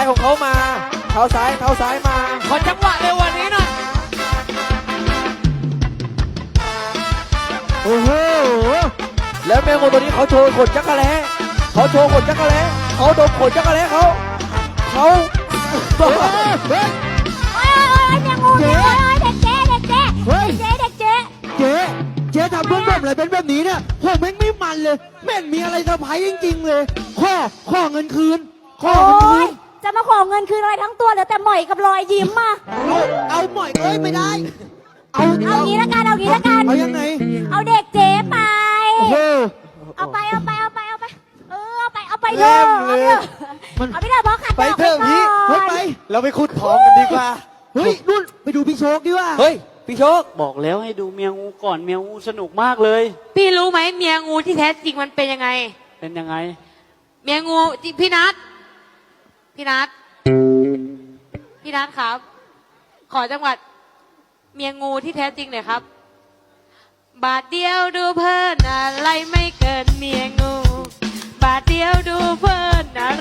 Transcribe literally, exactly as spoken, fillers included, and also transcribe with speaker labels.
Speaker 1: ของเขามาเท้าซ้ายเท้าซ้ายมา
Speaker 2: ขอจังหวะเร็ววันนี้หน่อย
Speaker 1: โอ้โหแล้วแมงมุมตัวนี้เขาโชว์ขนจักรแล้เขาโชว์ขนจักรแล้เขาดมขนจักรแล้เขาเขาเฮ้ยเฮ้ย
Speaker 3: โอ้ยโอ้ยแมงมุมเด็กเจ๊เด็กเจ๊เฮ้ยเจ๊เด็กเจ๊
Speaker 4: เจ๊เจ๊ทำเพื่อนผมอะไรเป็นแบบนี้เนี่ยผมแม่งไม่มันเลยแม่งมีอะไรเซอร์ไพรส์จริงๆเลยข้อข้อเงินคืนข้อเงินคืน
Speaker 3: จะมาขอเงินคืนอะไรทั้งตัวเหลือแต่หมอยกับรอยยิ้มมา
Speaker 4: เอาเอาหมอยเอ้ยไม่ได้
Speaker 3: เอาเอางี้ละกันเอางี้ละกัน
Speaker 4: เอายังไง
Speaker 3: เอาเด็กเจ๊ไป
Speaker 4: โอ้โห
Speaker 3: เอาไปเอาไปเอาไปเอาไปเออเอาไปเอาไปเถอะเอาไปเถอะเอาไปเถอะเพราะขัดดอกไปก่อน
Speaker 4: เฮ้ยไป
Speaker 1: เราไปขุดทองกันดีกว่า
Speaker 4: เฮ้ยนู่นไปดูพี่โชคดีว่า
Speaker 1: เฮ้ยพี่โชค
Speaker 2: บอกแล้วให้ดูเมียงูก่อนเมียงูสนุกมากเลย
Speaker 5: พี่รู้ไหมเมียงูที่แท้จริงมันเป็นยังไง
Speaker 2: เป็นยังไง
Speaker 5: เมียงูพี่นัทพี่นัทพี่นัทครับขอจังหวัดเมียงูที่แท้จริงหน่อยครับบาทเดียวดูเพลินอะไรไม่เกินเมียงูบาทเดียวดูเพลินอะไร